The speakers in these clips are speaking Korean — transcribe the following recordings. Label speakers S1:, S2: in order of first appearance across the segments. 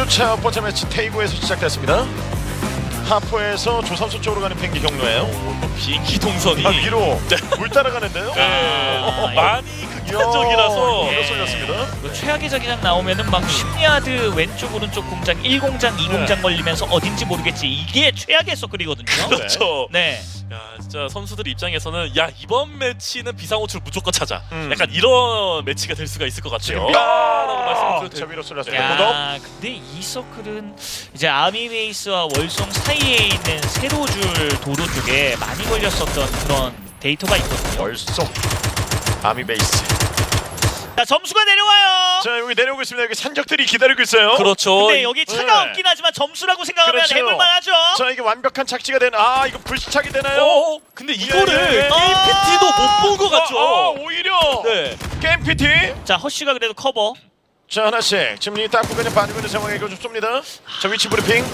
S1: 2주차 첫 번째 매치 테이고에서 시작됐습니다. 하포에서 조선소 쪽으로 가는 비행기 경로예요.
S2: 비행기 동선이
S1: 위로 물 따라가는데요.
S2: 많이 극단적이라서
S1: 이거 쏠렸습니다.
S3: 최악의 자기장 나오면은 막 10야드 왼쪽 오른쪽 공장 1공장 2공장 걸리면서 어딘지 모르겠지. 이게 최악의 서클이거든요.
S2: 그렇죠.
S3: 네.
S2: 야, 진짜 선수들 입장에서는 야 이번 매치는 비상호출 무조건 찾아. 약간 이런 매치가 될 수가 있을 것 같아요. 라고 말씀드려도
S1: 저 위로 쏠렸어요.
S3: 야, 근데 이 서클은 이제 아미베이스와 월송 사이에 있는 세로줄 도로 쪽에 많이 걸렸었던 그런 데이터가 있거든요.
S1: 월송 아미베이스.
S3: 자, 점수가 내려와요.
S1: 자, 여기 내려오고 있습니다. 여기 산적들이 기다리고 있어요.
S2: 그렇죠.
S3: 근데 여기 차가 없긴 하지만 점수라고 생각하면
S1: 그렇죠.
S3: 해볼만하죠.
S1: 자, 이게 완벽한 착지가 되는. 아, 이거 불시착이 되나요?
S2: 근데 이거를
S1: 예.
S2: KPT도 못 본 것 같죠.
S1: 오히려.
S2: 네.
S1: 게임 PT.
S3: 자, 허쉬가 그래도 커버.
S1: 자, 하나씩 지금 이 딱 구간에 빠지고 있는 상황에 이거 좀 쏩니다. 자, 위치 브리핑.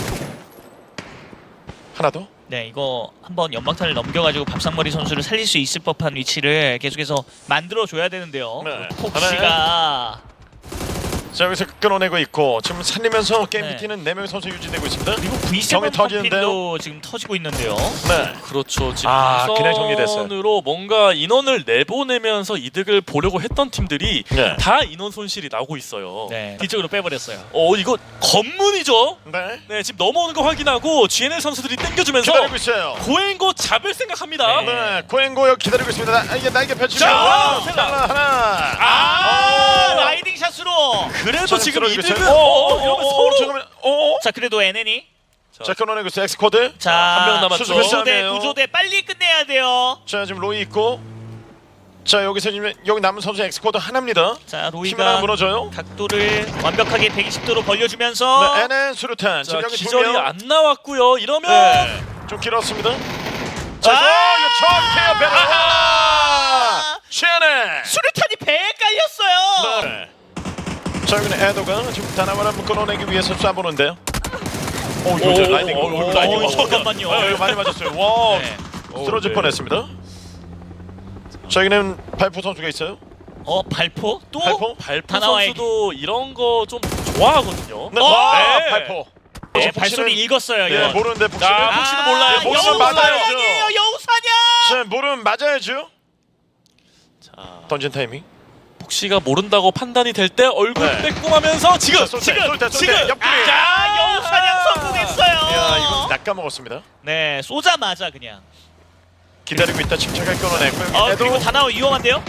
S1: 하나 더.
S3: 네, 이거 한번 연막탄을 넘겨가지고 밥상머리 선수를 살릴 수 있을 법한 위치를 계속해서 만들어줘야 되는데요.
S1: 네.
S3: 폭시가
S1: 자, 여기서 끊어내고 있고 지금 살리면서 게임
S3: 네.
S1: PT는 4명의 선수 유지되고 있습니다.
S3: 그리고
S1: 정이
S3: V7
S1: 터지는데요?
S3: 펌핀도 지금 터지고 있는데요.
S1: 네.
S2: 그렇죠. 지금
S1: 그냥 정리됐어요.
S2: 우선으로 뭔가 인원을 내보내면서 이득을 보려고 했던 팀들이
S1: 네.
S2: 다 인원 손실이 나고 있어요.
S3: 네, 뒤쪽으로 빼버렸어요.
S2: 이거 건문이죠.
S1: 네.
S2: 네, 지금 넘어오는 거 확인하고 GNL 선수들이 당겨주면서
S1: 기다리고 있어요.
S2: 고행고 잡을 생각합니다.
S3: 네.
S1: 네. 고행고 여기 기다리고 있습니다. 이게 날개 펼치고.
S2: 자,
S1: 하나.
S3: 라이딩 샷으로.
S2: 그래도
S1: 자,
S2: 지금
S1: 들어오고
S2: 이득은
S1: 있어요.
S2: 이러면 서로
S1: 잠깐만.
S3: 자, 그래도 NN이
S1: 자, 끊어내고 있어요. 엑스코드.
S3: 자,
S2: 한명 남았죠.
S1: 수습
S3: 구조대
S1: 싸움이에요.
S3: 구조대 빨리 끝내야 돼요.
S1: 자, 지금 로이 있고. 자, 여기서 지금 여기 남은 선수 엑스코드 하나입니다.
S3: 자,
S1: 힘 하나
S3: 로이가
S1: 무너져요.
S3: 각도를 완벽하게 120도로 벌려주면서
S1: 네, NN 수류탄.
S2: 자,
S1: 지금 여기
S2: 기절이
S1: 두 명.
S2: 안 나왔고요. 이러면
S1: 네. 좀 길었습니다. 자, 이거 정태요 베라.
S3: 아!
S1: 시안에.
S3: 수류탄이 배에 깔렸어요.
S1: 네. 자, 여기는 에도가 지금 다나와를 한번 끊어내기 위해서 쏴보는데요. 이거 이제 라이딩. 라이딩.
S3: 잠깐만요.
S1: 이거 많이 맞았어요. 와,
S3: 네.
S1: 쓰러질
S2: 네.
S1: 뻔했습니다. 자, 여기는 발포 선수가 있어요.
S3: 발포 또
S1: 발포.
S2: 발포
S3: 다나와에게.
S2: 선수도 이런 거 좀 좋아하거든요.
S1: 네.
S2: 네.
S1: 발포.
S3: 네,
S1: 복시는-
S3: 발소리 읽었어요.
S1: 네,
S3: 이거.
S1: 모르는데 복시는.
S2: 아, 복시는 몰라요.
S1: 네, 복시는
S3: 여우사냥이에요.
S1: 맞아야죠.
S3: 여우사냥.
S1: 자, 모르면 맞아야죠.
S2: 자,
S1: 던진 타이밍.
S2: 복시가 모른다고 판단이 될 때 얼굴
S1: 네.
S2: 빼꼼하면서 지금
S1: 자, 쏠 때, 쏠 때, 쏠 때. 옆구리.
S3: 자, 여우사냥 성공했어요.
S1: 야, 이건 낚아먹었습니다.
S3: 네, 쏘자마자 그냥.
S1: 기다리고 있다 침착하게 끊어내고 여기
S3: 그리고
S1: 에도.
S3: 다나와 위험한데요?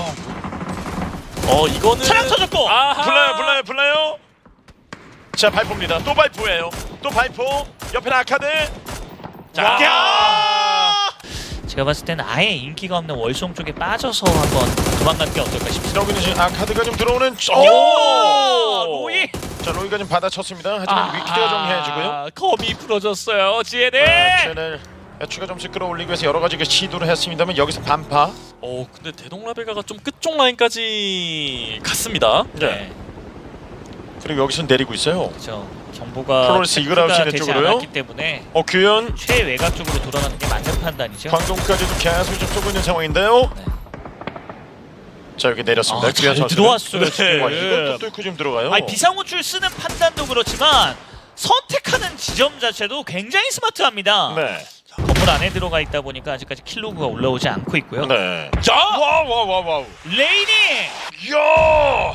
S2: 이거는
S3: 차량 터졌고.
S2: 아하.
S1: 불러요. 자, 발포입니다. 또 발포예요. 또 발포. 옆에 아카드.
S2: 자.
S1: 야!
S3: 제가 봤을 때는 아예 인기가 없는 월송 쪽에 빠져서 한번 도망가는 게 어떨까 싶습니다.
S1: 여기는 지금 아카드가 좀 들어오는.
S3: 로이.
S1: 자, 로이가 좀 받아쳤습니다. 하지만 위키가 좀 해주고요.
S3: 검이 부러졌어요. GNL.
S1: 쟤를 추가 점수 끌어올리기 위해서 여러 가지 시도를 했습니다만 여기서 반파.
S2: 근데 대동라베가가 좀 끝쪽 라인까지 갔습니다.
S3: 네.
S1: 그리고 여기서 내리고 있어요.
S3: 그렇죠. 정보가
S1: 플로렌스 이글아웃
S3: 체크가
S1: 시는
S3: 되지
S1: 쪽으로요?
S3: 않았기 때문에
S1: 규현
S3: 최외곽 쪽으로 돌아가는 게 맞는 판단이죠.
S1: 광동까지도 계속 좀 쏘고 있는 상황인데요.
S3: 네.
S1: 자, 여기 내렸습니다.
S3: 잘
S1: 선수는.
S3: 들어왔어요.
S2: 네.
S3: 지금.
S1: 와, 이것도 뚫고 좀 들어가요.
S3: 아니, 비상호출 쓰는 판단도 그렇지만 선택하는 지점 자체도 굉장히 스마트합니다.
S1: 네.
S3: 건물 안에 들어가 있다 보니까 아직까지 킬로그가 올라오지 않고 있고요.
S1: 네.
S2: 자,
S1: 와우.
S3: 레이니!
S1: 야!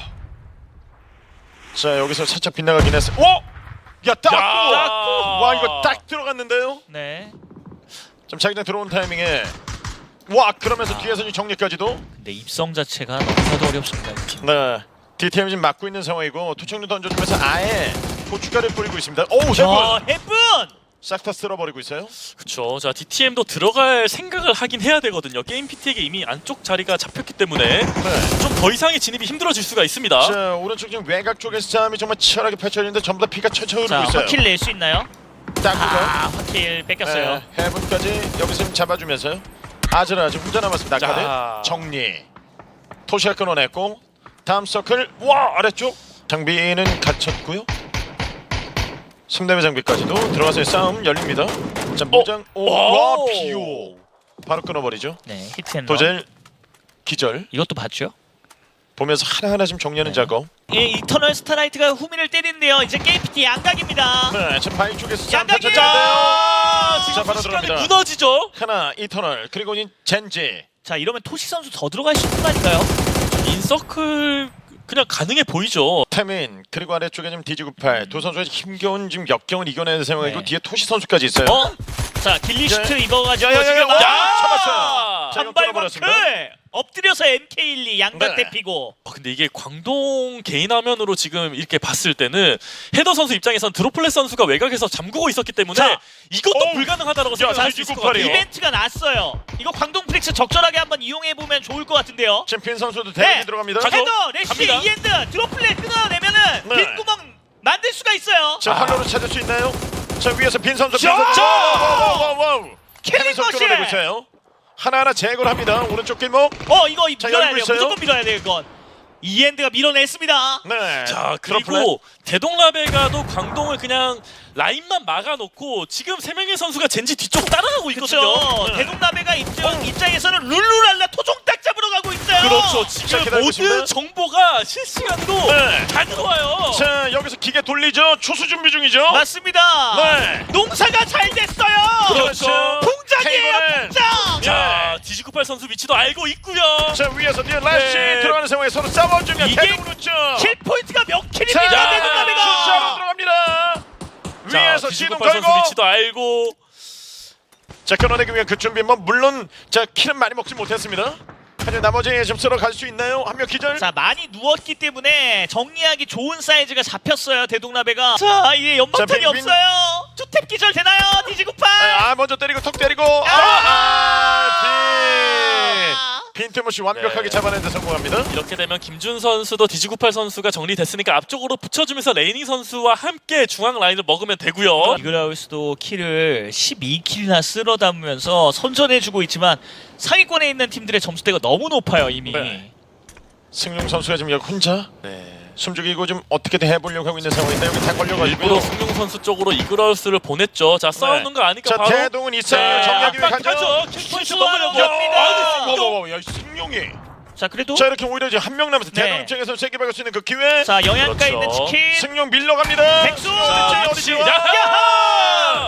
S1: 자, 여기서 살짝 빗나가긴 했어요. 야, 딱! 와, 이거 딱 들어갔는데요.
S3: 네.
S1: 좀 자기장 들어온 타이밍에 그러면서 뒤에서 정리까지도.
S3: 근데 입성 자체가 너무나도 어렵습니다. 이 팀.
S1: 네. DTM 지금 막고 있는 상황이고 투척류 던져주면서 아예 고춧가루 뿌리고 있습니다.
S3: 해븐!
S1: 싹 다 쓸어버리고 있어요.
S2: 그렇죠. 자, DTM도 들어갈 생각을 하긴 해야 되거든요. 게임 PT에게 이미 안쪽 자리가 잡혔기 때문에
S1: 네.
S2: 좀 더 이상의 진입이 힘들어질 수가 있습니다.
S1: 자, 오른쪽 지금 외곽 쪽에서 싸움이 정말 치열하게 펼쳐지는데 전부 다 피가 철철 흐르고
S3: 자,
S1: 있어요.
S3: 화킬 낼 수 있나요?
S1: 딱
S3: 화킬 뺏겼어요.
S1: 네, 해븐까지 여기서 좀 잡아주면서요. 아즈라즈 혼자 남았습니다.
S2: 자.
S1: 아카드 정리. 토시가 끊어냈고 다음 서클 아래쪽 장비는 갇혔고요. 승대의 장비까지도 들어가서 싸움 열립니다. 자, 무장 비오 바로 끊어버리죠.
S3: 네, 히트앤런.
S1: 도젤 기절.
S3: 이것도 봤죠?
S1: 보면서 하나하나 좀 정리하는 작업.
S3: 예, 이터널 스타라이트가 후미를 때리는데요. 이제 게임PT 양각입니다.
S1: 네, 지금 바위 쪽에서
S3: 양각이에요!
S1: 자,
S2: 지금
S1: 바로
S2: 순식간에
S1: 들어갑니다.
S2: 무너지죠.
S1: 하나 이터널 그리고 젠지.
S3: 자, 이러면 토시 선수 더 들어갈 수 있는 거 아닌가요?
S2: 인서클 그냥 가능해 보이죠.
S1: 태민 그리고 아래쪽에 지금 디지98 두 선수가 힘겨운 지금 역경을 이겨내는 상황이고
S3: 네.
S1: 뒤에 토시 선수까지 있어요.
S3: 자, 길리슈트 입어가지고
S1: 야야야야,
S3: 지금
S1: 야, 잡았어요. 자, 이거
S3: 한발
S1: 끊어버렸습니다.
S3: 마크 엎드려서 MK12 양각
S1: 네.
S3: 대피고.
S2: 근데 이게 광동 개인 화면으로 지금 이렇게 봤을 때는 헤더 선수 입장에선 드로플렛 선수가 외곽에서 잠그고 있었기 때문에
S3: 자,
S2: 이것도
S1: 어우.
S2: 불가능하다라고
S1: 야,
S2: 생각할 수 있을 것 같아요.
S3: 이벤트가 났어요. 이거 광동 프릭스 적절하게 한번 이용해 보면 좋을 것 같은데요.
S1: 지금 빈 선수도 대응이
S3: 네.
S1: 들어갑니다.
S2: 가죠.
S3: 헤더, 레시,
S2: 갑니다.
S3: 이엔드, 드롭플렛 끊어내면은
S1: 네.
S3: 빈 구멍 만들 수가 있어요.
S1: 자, 활로로 찾을 수 있나요? 자, 위에서 빈 선수. 빈
S3: 자!
S1: 선수. 와우.
S3: 킬링
S1: 헤면서
S3: 머신!
S1: 끌어내고 있어요. 하나하나 제거를 합니다. 오른쪽 길목.
S3: 이거
S1: 자,
S3: 밀어야
S1: 열고
S3: 돼요.
S1: 있어요.
S3: 무조건 밀어야 돼요, 이건. 이엔드가 밀어냈습니다.
S1: 네.
S2: 자
S1: 드로플렛.
S2: 그리고 대동라베가도 광동을 그냥 라인만 막아놓고 지금 세 명의 선수가 젠지 뒤쪽 따라가고 있거든요.
S3: 그렇죠.
S1: 네.
S3: 대동남해가 입장에서는 룰루랄라 토종딱 잡으러 가고 있어요.
S2: 그렇죠.
S1: 자,
S2: 지금
S1: 기다리고
S2: 모든
S1: 있습니다.
S2: 정보가 실시간으로
S1: 네.
S2: 다 들어와요.
S1: 자, 여기서 기계 돌리죠. 초수 준비 중이죠.
S3: 맞습니다.
S1: 네.
S3: 농사가 잘 됐어요.
S2: 그렇죠.
S3: 풍작이에요,
S1: 케이블은.
S3: 풍작.
S2: 자 디지98 선수 위치도 알고 있고요.
S1: 자, 위에서 뒤에 라시
S2: 네.
S1: 들어가는 상황에 서로 싸워 중이야.
S3: 이게
S1: 대동으로 죠.
S3: 킬 포인트가 몇
S1: 자,
S3: 킬입니까,
S2: 숫자로
S3: 대동남해가?
S1: 들어갑니다.
S2: 자
S1: 위에서 시동
S2: 디지98 선수
S1: 걸고.
S2: 위치도 알고.
S1: 자, 끊어내기 위한 그 준비. 물론 자, 킬은 많이 먹지 못했습니다. 하지만 나머지 좀 쓸어 갈 수 있나요? 한 명 기절.
S3: 자, 많이 누웠기 때문에 정리하기 좋은 사이즈가 잡혔어요, 대동남해가. 자, 이게 연막탄이
S1: 자, 빈-
S3: 없어요. 투탭 기절 되나요, 디지98?
S1: 먼저 때리고 턱 때리고. 빈틈없이 완벽하게 잡아내는데 성공합니다.
S2: 이렇게 되면 김준 선수도 디지98 선수가 정리됐으니까 앞쪽으로 붙여주면서 레이닝 선수와 함께 중앙 라인을 먹으면 되고요.
S3: 이글하우스도 킬을 12킬이나 쓸어 담으면서 선전해주고 있지만 상위권에 있는 팀들의 점수대가 너무 높아요, 이미.
S1: 네. 승용 선수가 지금 여기 혼자
S2: 네.
S1: 숨죽이고 좀 어떻게든 해보려고 하고 있는 상황인데 여기 다
S2: 일부러
S1: 걸려가지고.
S2: 승용 선수 쪽으로 이글하우스를 보냈죠. 자 싸우는 거 아니까
S1: 자,
S2: 바로
S1: 대동은 있어요. 정리하기 위해 가죠.
S2: 킬포인트
S3: 수수하러
S2: 먹으려고.
S3: 갑니다.
S1: 야, 승용이.
S3: 자, 그래도
S1: 자, 이렇게 오히려 이제 한 명 남았어.
S3: 네.
S1: 대동 입장에서 세개 박을 수 있는 그 기회.
S3: 자, 영양가
S2: 그렇죠.
S3: 있는 치킨.
S1: 승용 밀러갑니다.
S3: 백수!
S2: 자,
S1: 어디지?
S2: 위치.
S3: 야하!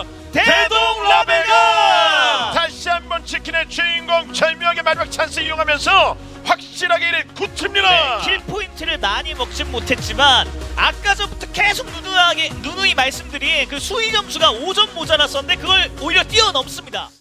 S3: 대동라베가!
S1: 다시 한번 치킨의 주인공 절묘하게 마지막 찬스 이용하면서 확실하게 이를 굳힙니다.
S3: 네, 킬 포인트를 많이 먹진 못했지만 아까 전부터 계속 누누이 말씀드린 그 수위 점수가 5점 모자랐었는데 그걸 오히려 뛰어넘습니다.